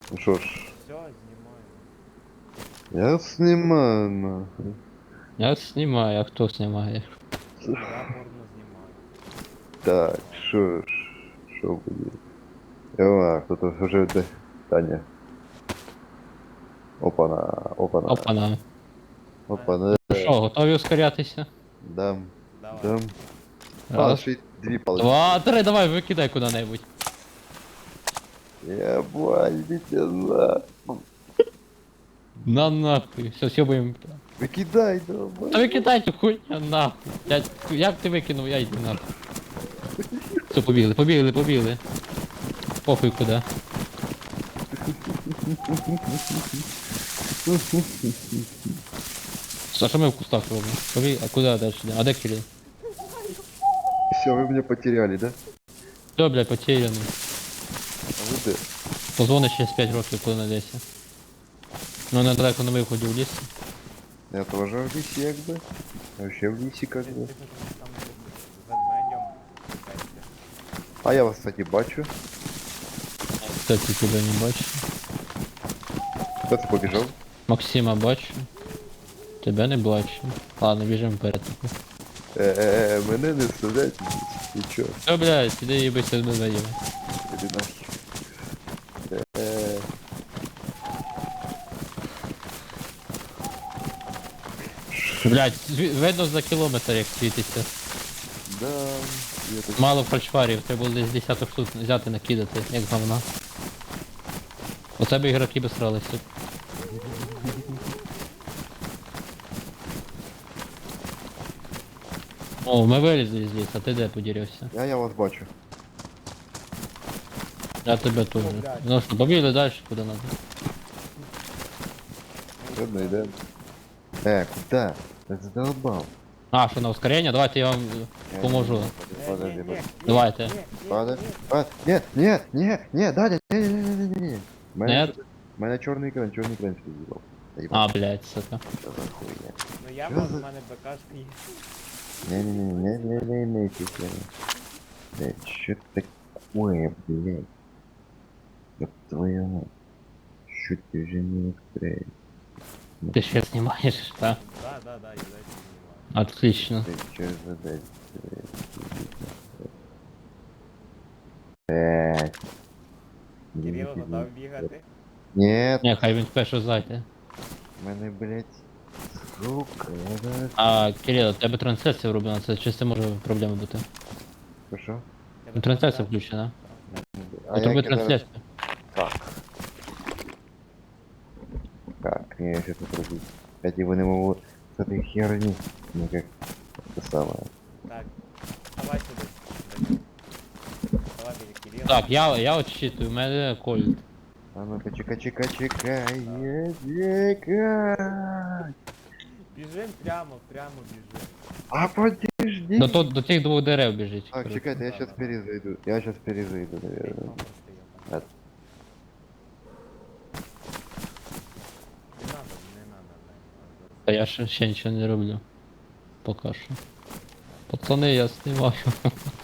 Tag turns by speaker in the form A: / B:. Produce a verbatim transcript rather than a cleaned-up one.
A: Ну что ж,
B: Все, знімаю.
A: я снимаю, нахуй.
C: Я снимаю, а кто снимает?
B: Я порно знімаю.
A: Так, что ж, что будет? Ела, кто-то уже... да- Таня. Опана, опана,
C: Опана.
A: опана.
C: Ну що, готові ускорятися?
A: Дам,
B: Давай.
A: дам. А,
C: Раз,
A: ще й дві палочки.
C: два, три, давай, викидай куди-небудь.
A: Я бандите, на.
C: На нахуй, все, сьобуємо.
A: Викидай, давай.
C: Та викидайте хуйня нахуй. Я, як ти викинув, я йду нахуй. Все, побігли, побігли, побігли. Похуй куди. А що ми в кустах робимо? Побіг, а куди далі? А де Кирил?
A: Все, вы меня потеряли, да?
C: Все, блядь, потеряний.
A: А вы где?
C: Позвони через п'ять років, коли надейся. Ну, недалеко на виході в ліс.
A: Я тоже в лисе, как бы. Вообще в лисе, как
B: Ти
A: бы.
B: ти що там з ведмедем шукаєте?
A: А я вас, кстати, бачу.
C: Кстати, тебе не бачу.
A: Кто-то побежал.
C: Максима бачу. Тебе не бачу. Ладно, біжимо вперед.
A: Э-э-э, мене не стріляйте. Ти чё?
C: Все, блядь, іди їбися з медведями.
A: Іди нахер. Э-э.
C: Блядь, зві- видно за кілометр, як світиться.
A: Да, я так...
C: Мало фальшварів, треба було десь десяток штук взяти, накидати, як говна. Оце б ігроки би сралися. О, ми вилізли здесь, а ти де подірився?
A: Я, я вас бачу.
C: Я тебе теж.
B: блядь.
C: Ну що, побігли далі, куди надо.
A: Ладно, йдем. Э, куда? Ты задолбал.
C: А, що на ускорення? Давайте я вам
A: Я
C: поможу.
A: не- Подожди,
B: Ні, ні,
A: подожди.
B: ні,
C: Давайте.
B: ні, ні,
A: Подожди.
B: ні.
A: А, не, не, не, не, Даня, не, не, не, не, не, не. Мене,
C: Нет?
A: мене чорний екран, чорний екран з'їбав.
C: А, блядь, сука.
A: Що за хуйня?
B: Ну я
A: Що
B: б,
A: за-
B: в мене БКшка є.
A: Не, не, не, не, не, не, не, не, не. Блядь, что такое, блядь? Ёб твою мать. Чуть ты уже не устроил.
C: Ти ще знімаєш, так?
B: Да, да, да, я дальше знімаю.
C: Отлично.
A: Ты чё за дальше? Блядь.
B: Кирило готов бігати?
A: Нет,
C: Ні, хай він перше зайде.
A: мене, блядь, сука, я зараз...
C: А, Кирило, у тебе трансляція вроблена, це чи це може проблема бути?
A: Що?
C: Ну, трансляція включена.
A: А
C: От роби
A: як я зараз-
C: трансляцію.
A: Как? Как? Я сейчас это пробую. Я его не могу с этой херни никак это самое.
B: Так, давай сюди. Данил. Давай біля Кирила.
C: Так, я, я отчитую, у мене кольт.
A: А ну-ка, чека, чека, чекай, чекай.
B: Біжим прямо, прямо біжим.
A: А подожди.
C: До, то- до тих двох дерев біжить.
A: Так,
C: коротше.
A: чекайте, я сейчас перезайду. Я сейчас перезайду,
B: П'ять
A: наверное.
B: номер стоїть.
A: А.
B: Не надо, не надо, не надо.
C: Та я ще, ще нічого не роблю. Поки що. Пацани, я знімаю.